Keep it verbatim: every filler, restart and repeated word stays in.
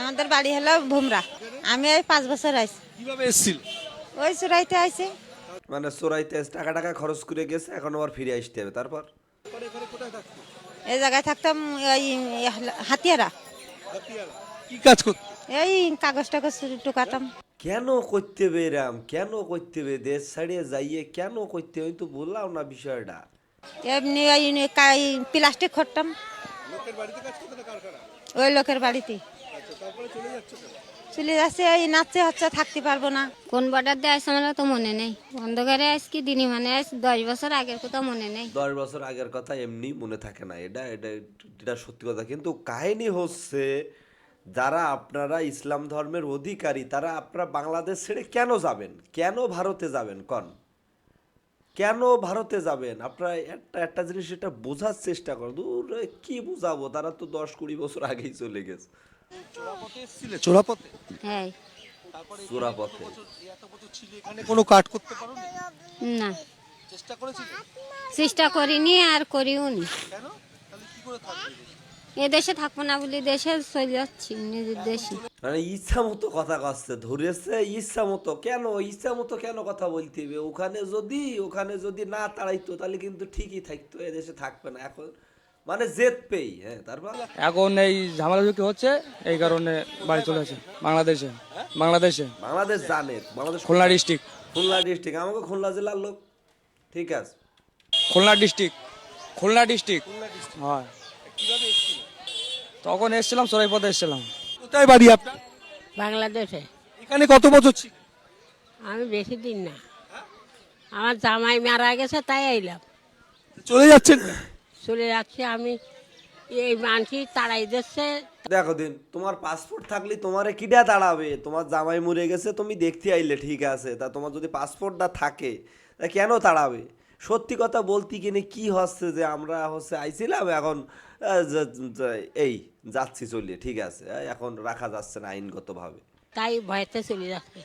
আমাদের বাড়ি হলো ভুমরা। আমি এই পাঁচ বছর আইছি। কিভাবে এসেছিল? ওই চুরাইতে আইছি। মানে চোরাইতে টাকা টাকা খরচ করে গেছে, এখন আবার ফিরে আসতে হবে। তারপর এই জায়গায় থাকতাম ওই হাতিয়ারা। কি কাজ করতে? এই কাগজ টাগজ টুকাতাম। কেন করতে হবে এরাম? কেন করতে হবে? দেশ ছাড়িয়ে যাইয়ে কেন করতে হবে? আমি তো বললাম না বিষয়টা। এমনি ওই প্লাস্টিক খরতাম ওই লোকের বাড়িতে। চলে যাচ্ছে এই নাচছে হচ্ছে, থাকতে পারবো না। কোন বর্ডার দিয়ে আসছে আমার তো মনে নেই। অন্ধকারে আস কি দিনই মানে আস দশ বছর আগের কথা মনে নেই। দশ বছর আগের কথা এমনি মনে থাকে না, এটা এটা এটা সত্যি কথা। কিন্তু কাহিনী হচ্ছে, যারা আপনারা ইসলাম ধর্মের অধিকারী তারা আপনারা বাংলাদেশ ছেড়ে কেন যাবেন? কেন ভারতে যাবেন? কন কেন ভারতে যাবেন? আপনারা একটা একটা জিনিস এটা বোঝার চেষ্টা করেন। দূর কি বুঝাবো, তারা তো দশ কুড়ি বছর আগেই চলে গেছে চোরাপথে এসেছিলে? চোরাপথে? হ্যাঁ। চোরাপথে। এত বছর ছিলে এখানে, কোনো কাট করতে পারোনি? না, চেষ্টা করেছিলে? চেষ্টা করিনি আর করিও নি। কেন? তাহলে কি করে থাকবে? এ দেশে থাকবো না বলে দেশে চলে যাচ্ছি নিজের দেশে। মানে ইচ্ছা মতো কথা কাছে ধরেছে, ইচ্ছা মতো। কেন ইচ্ছা মতো কেন কথা বলতে হবে? ওখানে যদি ওখানে যদি না তাড়াইতো তাহলে কিন্তু ঠিকই থাকতো, এদেশে থাকবে না এখন। মানে জেদ পেই। হ্যাঁ, তারপর এখন এই ঝামেলা ঝুঁকি হচ্ছে, এই কারণে বাড়ি চলে আসে বাংলাদেশে। বাংলাদেশে বাংলাদেশ জানে, বাংলাদেশ খুলনা ডিস্ট্রিক্ট। খুলনা ডিস্ট্রিক্ট, আমাকে খুলনা জেলার লোক। ঠিক আছে, খুলনা ডিস্ট্রিক্ট। খুলনা ডিস্ট্রিক্ট হয়। কিভাবে এসেছিলে? তখন এসেছিলাম চোরাইপথে এসেছিলাম। কোথায় বাড়ি আপনার? বাংলাদেশে। এখানে কত বছর ছিল? আমি বেশি দিন না, আমার জামাই মারা গেছে তাই আইলাম। চলে যাচ্ছেন? চলে যাচ্ছি আমি, এই মানসি তাড়াই দিচ্ছে। দেখো দিন, তোমার পাসপোর্ট থাকলে তোমারে কিডা দাঁড়াবে? তোমার জামাই মরে গেছে, তুমি দেখতে আইলে ঠিক আছে, তা তোমার যদি পাসপোর্টটা থাকে তা কেন তাড়াবে? সত্যি কথা বলতে কিনে কি হচ্ছে যে আমরা হচ্ছে আইছিলাম, এখন আহ, যা- যা- এই যাচ্ছি চলিয়ে, ঠিক আছে, আহ, এখন রাখা যাচ্ছে না আইনগতভাবে। তাই ভয়তে চলে যাচ্ছে।